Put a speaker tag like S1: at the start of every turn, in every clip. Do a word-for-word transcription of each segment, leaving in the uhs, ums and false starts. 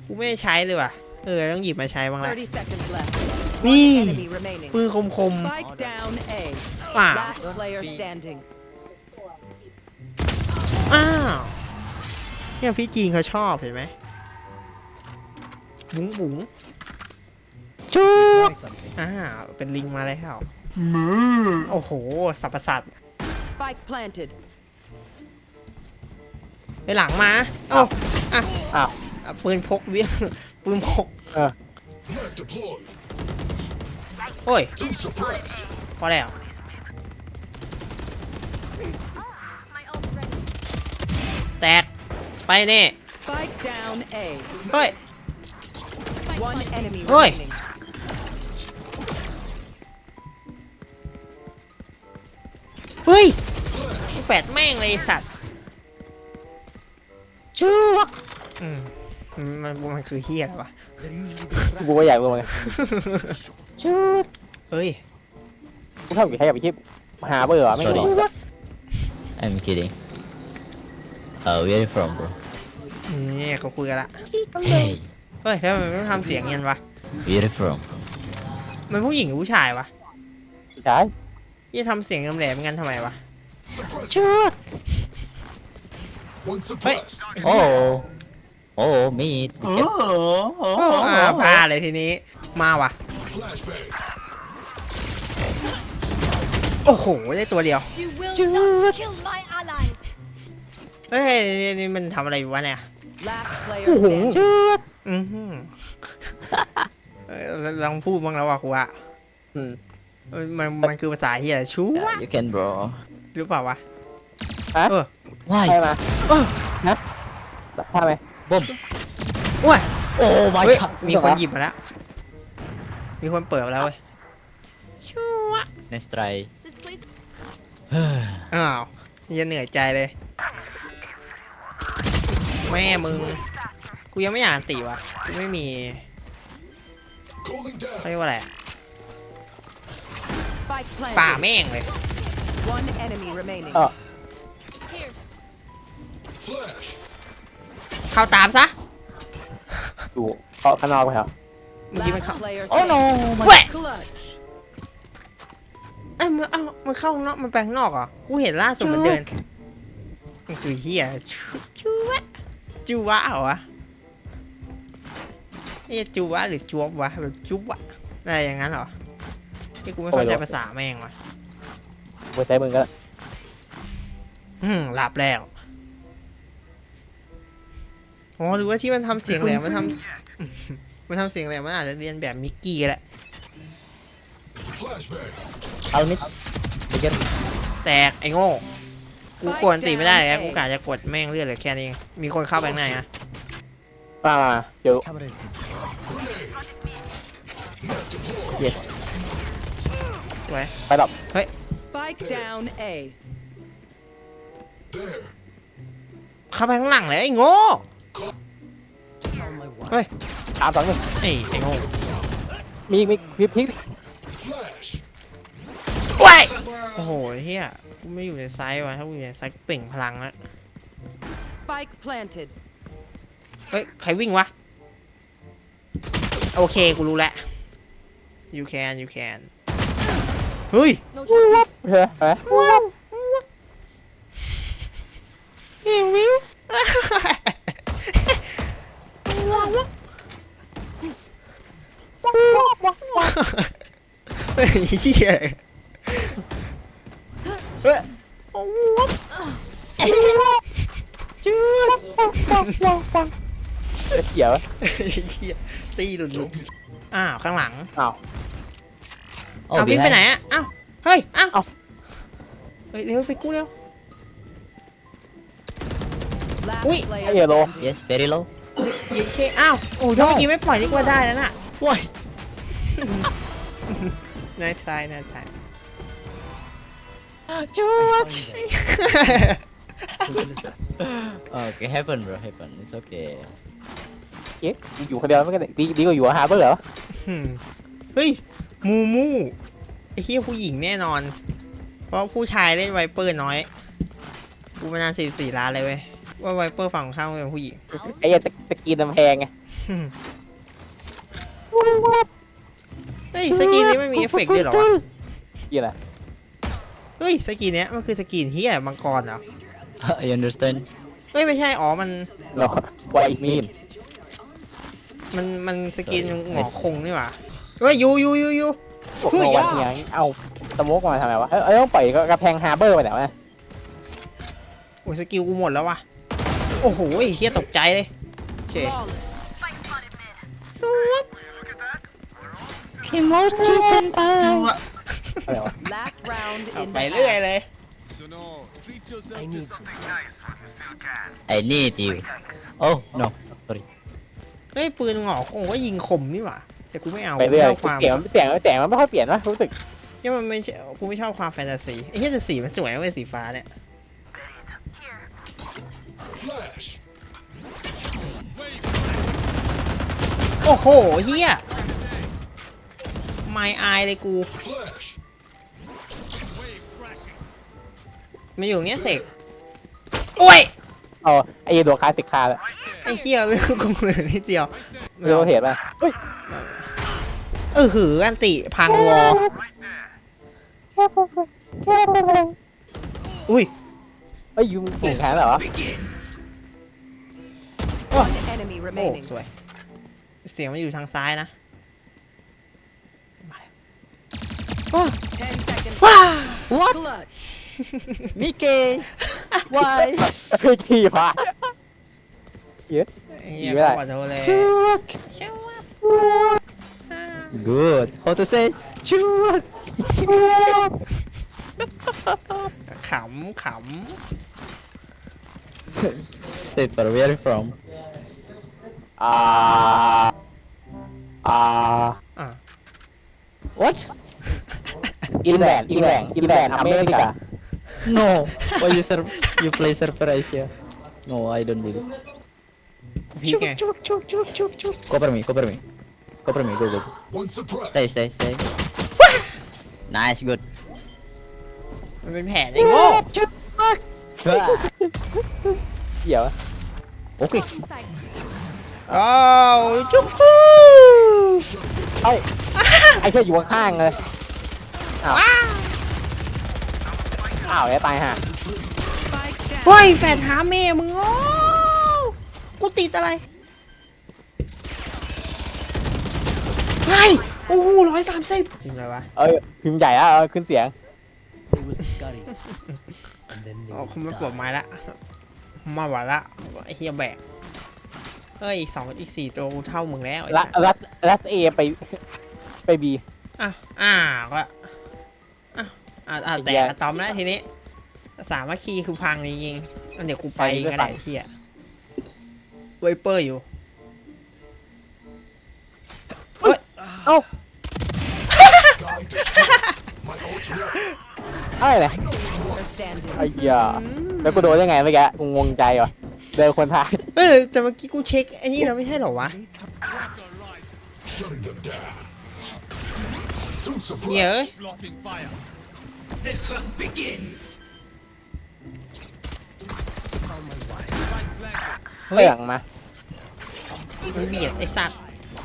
S1: กูไม่ได้ใช้เลยว่ะเออต้องหยิบมาใช้บ้างแหละ
S2: thirty seconds left.
S1: นี่
S2: Enemy remaining.
S1: ปืนคมคม
S2: Spike down A.
S1: อ้าว
S2: Last player standing.
S1: อ้าวเนี่ยพี่จีนเขาชอบเห็นไหมบุ๋งบุ๋งจุ๊บอ้าวเป็นลิงมาแล้วโอ้โหสับประสัต
S2: Spike planted.
S1: ไปหลังมาเอ้าอ่ะ
S3: อ้าว
S1: อ่ะปืนพกเวียงปืนพก
S3: เออ
S1: โอ้ยพอแล้วแตกไปเน่
S2: Spike down A.
S1: เฮ้ย
S2: One enemy
S1: Oi.
S2: remaining.
S1: เฮ้ยแปดแม่งเลยไอ้สัตว์ชูวะอืมมันมันคือเฮียอะไรวะ
S3: กูก็อยากรู้เหมือนกัน
S1: ชูเฮ้ย
S3: กูทำกี่ใครอยากไปคิดหาเบอร์เหรอไม่รู้
S4: Sorry. I'm kidding. Uh, where are you from, bro?
S1: นี่เขาคุยกันละ
S4: Hey,
S1: เฮ้ยทำไมมันต้องทำเสียงเงี้ยวะ
S4: where are you from?
S1: มันผู้หญิงหรือผู้ชายวะ
S3: ใช่
S1: ยี่ทำเสียงแหลมๆกันทำไมวะ
S5: One suppressed.
S4: Oh, oh, me.
S1: โอ้โหอ่าพลาดเลยทีนี้มาว่ะ
S5: Flashbang.
S1: โอ้โหได้ตัวเดียว
S6: You will not kill my allies.
S1: เฮ้ยนี่มันทำอะไรอยู่วะเนี่ย
S2: Last player standing.
S1: อือหือเอ้ยลองพูดบ้างแล้วว่ะครูอะ
S3: อืม
S1: มันมันคือภาษาเฮียชู
S4: Yeah, you can, bro.
S1: หรือเปล่าวะ
S3: ฮะ
S1: เออ
S3: ใช่
S4: Why?
S3: มา
S1: เออ
S3: นะท่าไหม
S4: Boom.
S1: โอ้ย
S4: Oh my
S1: เฮ้ย
S4: god.
S1: มีคนหยิบมาแล้ว มีคนเปิดมาแล้วเว้ยชูวะ
S4: Nice try.
S6: This place
S1: อ้าวยังเหนื่อยใจเลย แม่มึง กูยังไม่อยากตีวะกูไม่มี
S5: Calling
S1: เขา
S5: down.
S1: เรียกว่าอะไร
S2: Spike
S1: ป่า
S2: planted.
S1: แม่งเลย
S2: One enemy remaining.
S3: เออ
S6: here.
S5: Flash.
S1: เข้าตามซะ
S3: ดูเขาข้างนอกไปเหรอ
S1: เมื่อกี้มัน
S2: Last
S1: เข้า
S2: player
S4: Oh no.
S2: standing.
S4: My
S1: เว้ย
S2: Clutch.
S1: เอ้ยมันเอ้ามันเข้าข้างนอกมันไปข้างนอกเหรอ กูเห็นล่าสุดมันเดิน มันคือเฮียชูจูวะจูวะเหรอวะเอ๊ะจูวะหรือจวบวะแบบจุ๊บวะอะไรอย่างนั้นเหรอที่กูไม่เข้าใจภาษาแม่งวะ
S3: ไปใช้มึงก็ได้
S1: อืมหลับแล้วอ๋อหรือว่าที่มันทำเสียงแหลมมันทำ มันทำเสียงแหลมมันอาจจะเรียนแบบมิกกี้แหละ
S5: Flashbang.
S4: I'll meet. Take it.
S1: แตกไอ้โง่ กูกดตีไม่ได้เลยกูกะจะกดแม่งเลือดเหลือแค่นี้เองมีคนเข้าไปข้างในนะ
S3: มามาเดี๋ยว
S4: Yes.
S1: สวย
S3: ไปหรอก
S2: Spike down A.
S5: There.
S1: เข้าไปข้างหลังเลยไอ้โง่ เฮ้ย
S3: สามสองหนึ่ง
S1: ไอ้ไอ้โง่
S3: มีมีมีพลิก
S5: Flash.
S1: ว้ายโอ้โหเฮียกูไม่อยู่ในไซส์ว่ะถ้ากูอยู่ในไซส์เปล่งพลังแล้ว
S2: Spike planted.
S1: เฮ้ย ใครวิ่งวะ โอเค กูรู้แล้ว you can you can เฮ้ย
S6: No shot.
S3: เฮ้ยไป
S1: ว้าววิววิวเฮ้ยเหี้ยเฮ้ยโอ้โห
S3: เขียว
S1: เหี้ยตีหลุดหลุดอ้าวข้างหลัง
S3: อ้าว
S4: Oh,
S1: อ้าววิ่งไปไหน
S4: behind.
S1: อ่ะอ้าวเฮ้ยอ้าว
S3: เอ้า
S1: เฮ้ยเร็วไปกู้เร็ว
S2: Last
S1: Ui.
S2: player
S3: ไอ้เหี้ยโล
S2: standing.
S4: Yes, very low.
S1: ยิงเคอ้าวโอ้ยถ้าเมื่อกี้ไม่ปล่อยนี่ก็ได้แล้วน่ะ
S4: Why?
S1: นายชายนายชาย
S4: Okay, happen, bro. Happen. It's okay.
S3: เอ๊ะอยู่คนเดียวไม่กันดีดีกว่าอยู่หาเบอร์เหรอ
S1: อืมเฮ้ยมูมูไอ้เหี้ยผู้หญิงแน่นอน เพราะผู้ชายเล่นไวเปอร์น้อยกูมานานสี่สี่ล้านเลยเว้ยว่าไวเปอร์ฝั่งข้างเป็นผู้หญิง
S3: ไอ้เหี้ยตะตะกีนกำแพงไง
S1: อเฮ้ยสกินนี้ไม่มีเอฟเฟกต์ด้วยเหรอวะ
S3: ยี่อะไร
S1: เฮ้ยสกินเนี้ยมันคือสกินเฮียมังกรเหรอ
S4: I understand.
S1: เฮ้ยไม่ใช่อ๋อมัน
S3: เราวายมีน
S1: มันมันสกินหงอคงนี่หว่าเฮ้ยยูยูยูยู
S3: พวกโนวันเฮียเอาสโมกมาทำไมวะเอ้ยต้องปล่อยกระแพงฮาร์เบอร์ไปไหนวะ
S1: โอ้ยสกิลกูหมดแล้ววะโอ้โหเฮียตกใจเลยโอเค
S2: Flawless.
S1: จังหวะ
S3: อะไรวะ
S2: Last round
S1: เอา
S2: in
S1: ไป
S2: the
S1: เรื่อย
S2: half.
S1: เลย
S4: I need you. Oh no, sorry.
S1: เฮ้ยปืนหงอคงก็ยิงคมนี่หว่าแต่กูไม่เอา
S3: ไปเรื่อย
S1: ไม่ชอบความ
S3: เสียงเสียงเสียงมันไม่ค่อยเปลี่ยนนะรู้สึก
S1: เนี่ยมันไม่ใช่กูไม่ชอบความแฟนตาซีไอ้เหี้ยแต่สีมันสวยนะเว้ยสีฟ้าเนี่ย
S5: Flash.
S1: โอ้โหเหี้ยไม่อายเลยกู
S5: Flash.
S1: มาอยู่เนี้ยเสกโอ้ย
S3: เอาไอ้เหี้ยตัวคลาสสิกคาแล้ว
S1: ไอ้เหี้ยเรื่องกูเหลือนิดเดียว
S3: ไม่รู้เห็นป่ะเฮ้ย
S1: เออหืออันติพังวออุ้ย
S3: เอ้ยยูมึงเก่งขนาดนั้นเหรอ
S2: One enemy
S1: โอ้
S2: remaining.
S1: สวยเสียงมันอยู่ทางซ้ายนะมาแล้วว้า
S2: Ten seconds.
S1: ว้า
S2: Clutch.
S4: Mickey, why?
S3: เฮ้ยขี้พะ
S1: ไอ้เหี้ยขอโทษเลย
S4: Good. How to say? Chuk.
S1: ขำข
S4: Super. Where are you from?
S3: อ่าอ่า
S1: ำอ่ะ
S4: What?
S3: อินแลนด์อินแลนด์อินแลนด์อเมริกา
S4: No. Why you sur- you play surprise here? No, I don't believe.
S1: พีกไง
S4: Cover me. Cover me. Cover me. Go go.
S5: One suppressed.
S4: Stay. Stay. Stay. Nice. Good.
S1: มันเป็นแผนไอ้โง่
S3: เดี๋ยว
S4: Okay.
S6: Inside.
S1: อ้าวจุ๊กกู
S3: เฮ้ยไอ้เชี่ยอยู่ข้างๆเลยอ้าวอ้าวแล้วตายห่า
S2: Spike down.
S1: เฮ้ยแฟนหาเมย์มึงโอ้กูติดอะไรเฮ้ยโอ้โหร้อยสามสิบอะไรวะ
S3: เอ้ยพิมพ์ใหญ่อะเออขึ้นเสียง
S1: อ๋อคงไม่ปวดไม้ละมาหวานละไอ้เฮียแบกเฮ้ยอีกสองอีกสี่ตัวกูเท่ามึงแล้วไอ้
S3: รั
S1: สั
S3: ส
S1: ส
S3: รัสรัสเอไปไปบี
S1: อ่ะอ่าก็อ่ะอ่ะอ่ะ
S3: ไอ้
S1: แต่
S3: เหี้ย
S1: อะตอมแล้วทีนี้สามว่าคีย์คือพังจริงๆงั้นเดี๋ยวกูไป
S3: ไปด้วย
S1: ก็ได้
S3: ไป
S1: ไอ้เฮียไวเปอร์อยู่
S3: เอ้า
S5: Guy destroyed. My ult's ready.
S3: อะไรเนี่ย
S2: You're standing.
S3: ไอ้เหี้ยแล้วกูโดนยังไงเมื่อกี้กูงงใจว่ะเดินคนทาย
S1: เออแต่เมื่อกี้กูเช็คไอ้นี่แล้วไม่ใช่เหรอวะ
S5: Shutting them down. Two
S1: เหี้ย
S5: suppressed.
S1: เอ้ย
S5: Blocking fire.
S1: เฮ้
S3: เป
S1: ย
S3: ลี่ยงมา
S1: มึงเบียดไอ้สัตว์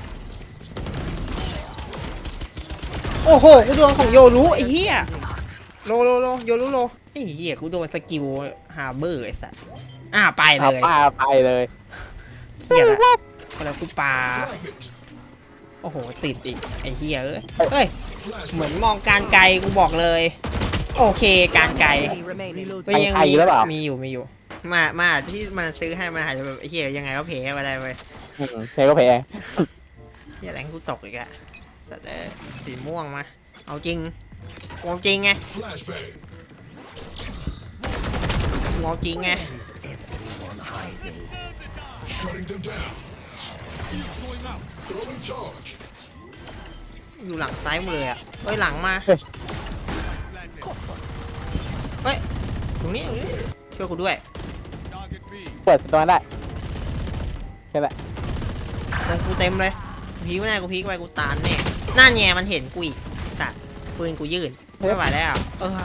S1: โอ้โหกูโดนของโยรุไอ้เหี้ยโลโลโลโยรุโลไอ้เหี้ยกูโดนสกิลฮาร์เบอร์ไอ้สัตว์อ่าไปเล
S3: เอา
S1: ย
S3: ป้าไปเลย
S1: เหี้ยละแล้วกูปา
S5: Frag it.
S1: โอ้โหติดอีกไอ้เหี้ยเอ้ยเฮ้ย
S5: Flash.
S1: เหมือนมองการไกลกูบอกเลย โอเคการไกล
S2: Enemy remaining.
S1: ก็ยัง
S3: ไกล
S1: มี
S3: แล้วเปล่า
S1: มีอยู่มีอยู่ มามาที่มันซื้อให้มาอาจจะแบบไอ้เหี้ยยังไงก็เพย์มาได้เว้ย
S3: อืมเพลงก็เพลง
S1: เหี้ยแรงกูตกอีกอะสัตว์เอ้ยสีม่วงมาเอาจริงกูเอาจริงไง
S5: Flashbang.
S1: กูเอาจริงไง
S5: Shutting them down. Throwing charge.
S1: อยู่หลังซ้ายมือเลยอะเฮ้ยหลังมาเฮ้ยตรงนี้ตรงนี้ช่วยกูด้วย
S3: เปิดตัวนั้นได้แค่นั้น
S1: ตรงกูเต็มเลยพีกไม่ได้กูพีกไปกูตานแน่นั่นแง่มันเห็นกูอีกสัตว์ปืนกูยื่นไม่ไหวแล้วเออ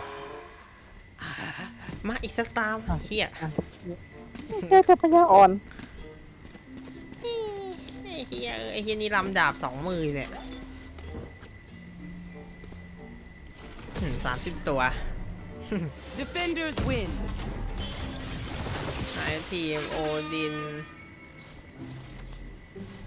S1: มาอีกสักตามเฮีย
S3: แค่จะปัญญาอ่อน
S1: เฮียเอ้ยไอ้เฮียนี่ลำดาบสองมือเนี่ยสามสิบตัว
S2: Defenders win.
S1: ไอทีมโอดิน